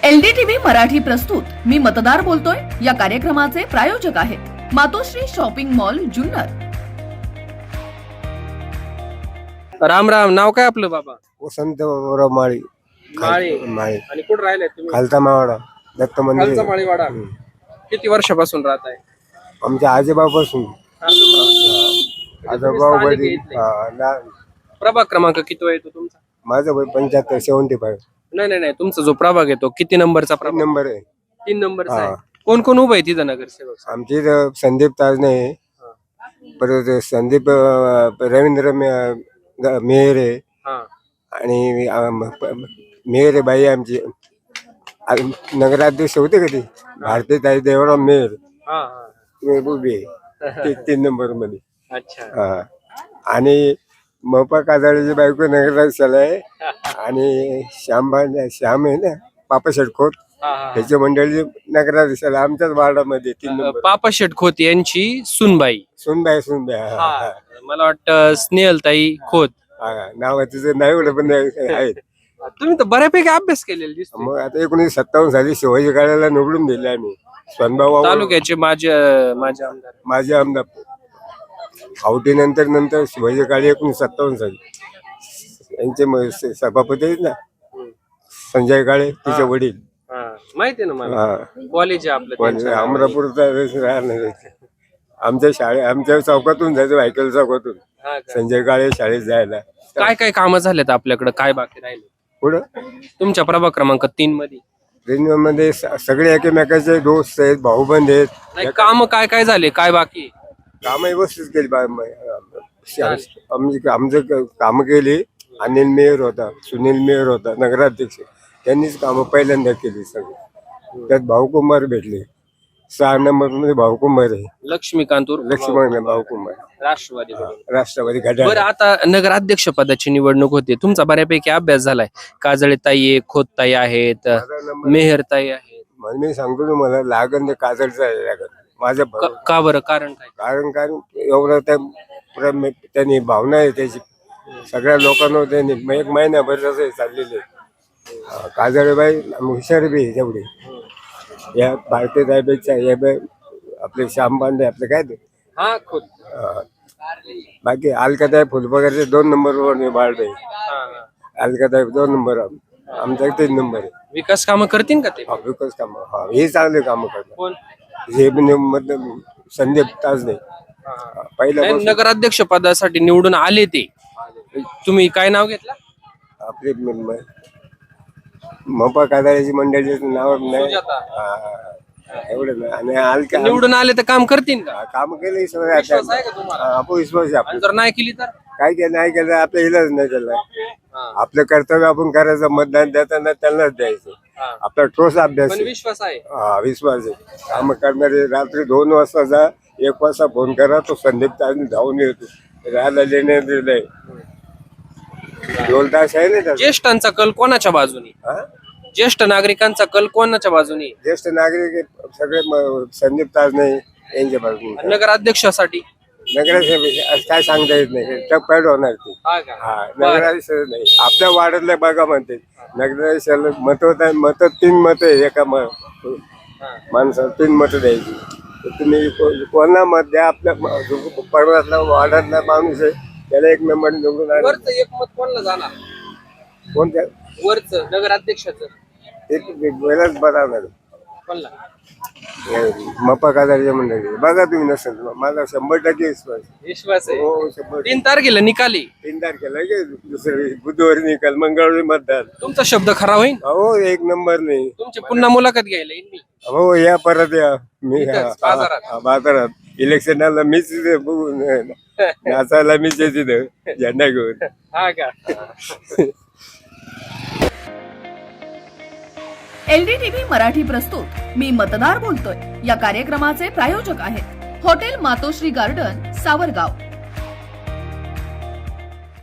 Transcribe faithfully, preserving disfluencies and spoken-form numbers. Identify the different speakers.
Speaker 1: LDTV Marathi प्रस्तुत मी मतदार बोलतोय या कार्यक्रमाचे प्रायोजक आहेत मातोश्री शॉपिंग मॉल जुन्नर।
Speaker 2: राम राम। नाव काय आपलं बाबा?
Speaker 3: वसंत बाबूराव माळी
Speaker 2: माळी।
Speaker 3: माळी
Speaker 2: आणि कुठं राहिलाय तुम्ही?
Speaker 3: खालता मावाडा दत्त मंदिर
Speaker 2: खालचा माळीवाडा। किती वर्षापासून राहत आहे?
Speaker 3: आमच्या आजोबापासून आजोबा वडील हा, ना-
Speaker 2: प्रभाग क्रमांक किती येतो तुमचा?
Speaker 3: माझं वय पंच्याहत्तर सेव्हन्टी फाईव्ह
Speaker 2: नाही नाही नाही, तुमचा जो प्रभाग येतो किती नंबरचा प्रभाग?
Speaker 3: नंबर आहे।
Speaker 2: तीन नंबरचा
Speaker 3: हा.
Speaker 2: आहे। कोण कोण उभं आहे तिथं नगरसेवक?
Speaker 3: आमचे इथं संदीप ताजने आहे, परत संदीप अं, रवींद्र मे- ग- मेहरे
Speaker 2: हा
Speaker 3: आणि अं, प- मेहरे बाई आमची आ- नगराध्यक्ष होते कधी भारतीय ताई देवराव मेहर
Speaker 2: हा हा।
Speaker 3: ते उभे आहे. ते तीन नंबर मध्ये
Speaker 2: अच्छा।
Speaker 3: हा. आणि मोपा काजळीची बायको नगराध्यक्षाला आहे आणि श्यामबा श्याम आहे ना पापा खोत
Speaker 2: हा, हा, हा.
Speaker 3: त्याची मंडळी नगराध्यक्षाला आमच्याच वार्डामध्ये तीन
Speaker 2: अ,
Speaker 3: नंबर
Speaker 2: पापा शेट खोत यांची सुनबाई।
Speaker 3: सुनबाई सुनबाई हा, हा,
Speaker 2: हा. मला वाटतं स्नेहलताई खोत।
Speaker 3: हा. नाव तिचं नाही एवढं पण आहेत।
Speaker 2: तुम्ही तर बऱ्यापैकी अभ्यास केलेला दिसतो।
Speaker 3: मग आता एकोणीशे सत्तावन्न साली शिवाजी काळाला निवडून दिले आम्ही स्वयंभाव
Speaker 2: तालुक्याचे माझे माझे आमदार।
Speaker 3: माझे आमदार आवटी नंतर नंतर शिवाजी काळे एकोणीशे सत्तावन्न साली यांचे म- स- सभापती आहेत ना संजय काळे तिचे वडील
Speaker 2: हा, माहिती आहे ना मला।
Speaker 3: हा.
Speaker 2: कॉलेज आहे आपलं
Speaker 3: पण
Speaker 2: त्यांच्या नावाने.
Speaker 3: अमरापूरचा राहणार आमच्या शाळे आमच्या चौकातून जायचं व्हायकल चौकातून
Speaker 2: हा का?
Speaker 3: संजय काळे शाळेत जायला
Speaker 2: काय काय कामं झालेत आपल्याकडे? काय बाकी राहिले
Speaker 3: पुढं
Speaker 2: तुमच्या प्रभाग क्रमांक तीन मध्ये?
Speaker 3: रेल्वेमध्ये स- सगळे एकमेकाचे दोस्त आहेत भाऊबंद आहेत
Speaker 2: नाही, काम काय काय झाले, काय बाकी आहे?
Speaker 3: कामं व्यवस्थित केली बा- म- शा- आमची आमचं काम केली। अनिल मेयर होता, सुनील मेयर होता नगराध्यक्ष, त्यांनीच कामं पहिल्यांदा केली सगळी। त्यात भाऊकुमार भेटले, सहा नंबर मध्ये भाऊकुमार आहे,
Speaker 2: लक्ष्मीकांत उर्फ
Speaker 3: लक्ष्मण भाऊकुमार
Speaker 2: राष्ट्रवादी।
Speaker 3: राष्ट्रवादी घड्याळ।
Speaker 2: बरं, आता नगराध्यक्ष पदाची निवडणूक होते, तुमचा बऱ्यापैकी अभ्यास झालाय। काजळीताई आहे, खोतताई आहेत,
Speaker 3: माझा नंबर
Speaker 2: मेहरताई आहेत।
Speaker 3: म्हणून मी सांगतो तुम्हाला लागण ते काजळचं आहे लागण माझ्या
Speaker 2: क-
Speaker 3: भाऊ-
Speaker 2: का बरं? कारण काय?
Speaker 3: कारण कारण एवढं त्या प्रेम- त्यांनी भावना आहे त्याची सगळ्या लोकांना त्यांनी म- एक महिन्याभर जसं चाललेले काजळबाई हुशार बी आहे तेवढी या भारतीय ताईपेक्षा या बाई आपले श्याम पांडे आपले काय ते
Speaker 2: हा, खोत।
Speaker 3: अं, बाकी अलकाताई फुलपगारचे दोन नंबरवर मी बाळबे
Speaker 2: हा, हा.
Speaker 3: अलकाताई दोन नंबर आमचा तीन नंबर आहे।
Speaker 2: विकास कामं करतील का ते?
Speaker 3: हा विकास कामं हा हे चांगले कामं करतात
Speaker 2: कोण?
Speaker 3: हे म्हणजे मतलब संदीप ताजने पहिला
Speaker 2: नाही, नगराध्यक्ष पदासाठी निवडून आले ते। तुम्ही काय नाव घेतलं?
Speaker 3: आपले म- म- मोपा काजळीची मंडळीचं नाव नाही
Speaker 2: सुजाता।
Speaker 3: हा, एवढं नाही आणि अलका
Speaker 2: निवडून आले तर काम करतील का?
Speaker 3: काम केलं सगळं
Speaker 2: विश्वास आहे का तुम्हाला?
Speaker 3: आपण विश्वास आहे
Speaker 2: आणि
Speaker 3: आपलं
Speaker 2: जर नाही केली तर?
Speaker 3: काय केलं नाही केलं आपलं इलाज नाही केलं
Speaker 2: हा,
Speaker 3: आपलं कर्तव्य आपण करायचं मतदान देताना त्यांनाच द्यायचं
Speaker 2: हा.
Speaker 3: आपला ठोस अभ्यास
Speaker 2: पण
Speaker 3: आहे.
Speaker 2: विश्वास आहे।
Speaker 3: हा विश्वास आहे काम करणारे रात्री दोन वाजता जा एक वाजता फोन करा तो संदीप ताजने धावून येतो राहायला लेणे दिलंय दोन तास आहे ना त्याचा.
Speaker 2: ज्येष्ठांचा कल कोणाच्या बाजूने?
Speaker 3: हा?
Speaker 2: ज्येष्ठ नागरिकांचा कल कोणाच्या बाजूने?
Speaker 3: ज्येष्ठ नागरिक आहेत, सगळे म- संदीप ताजने यांच्या बाजूने
Speaker 2: नगराध्यक्षासाठी?
Speaker 3: नगराध्यक्ष काय सांगता येत नाही टप पॅड होणार ती
Speaker 2: हा का?
Speaker 3: हा नगराध्यक्ष नाही आपल्या वार्डातल्या बघा म्हणते नगराध्यक्षाला मत होत मत तीन मत आहे एका म- माणसाला तीन मत द्यायची तर तुम्ही को- कोणा मत द्या आपल्या म- जो पर्वतातला वार्डातला माणूस आहे त्याला एक नंबर निवडून आणा.
Speaker 2: वरच एक मत कोणाला जाणार?
Speaker 3: कोणत्या
Speaker 2: वरच नगराध्यक्षाचं
Speaker 3: एक वेळाच बघावं
Speaker 2: कोणला?
Speaker 3: मप्पा काजारीच्या मंडळी बघा तुम्ही नसेल माझा शंभर टक्के विश्वास आहे.
Speaker 2: विश्वास आहे।
Speaker 3: हो शंभर
Speaker 2: तीन तारखेला निकाली।
Speaker 3: तीन तारखेला की दुसरी बुधवारी निकाल मंगळवारी मतदान
Speaker 2: तुमचा शब्द खरा होईल?
Speaker 3: हो एक नंबर नाही
Speaker 2: तुमची पुन्हा मुलाखत घ्यायला येईन मी।
Speaker 3: हो या परत या मी
Speaker 2: इथंच,
Speaker 3: हा-
Speaker 2: बाजारात.
Speaker 3: हा, बाजारात इलेक्शनाला मीच तिथे बघून नाचायला मीच आहे तिथं झेंडा घेऊन
Speaker 2: हा का?
Speaker 1: एलडीटीव्ही मराठी प्रस्तुत मी मतदार बोलतोय या कार्यक्रमाचे प्रायोजक आहेत हॉटेल मातोश्री गार्डन सावरगाव।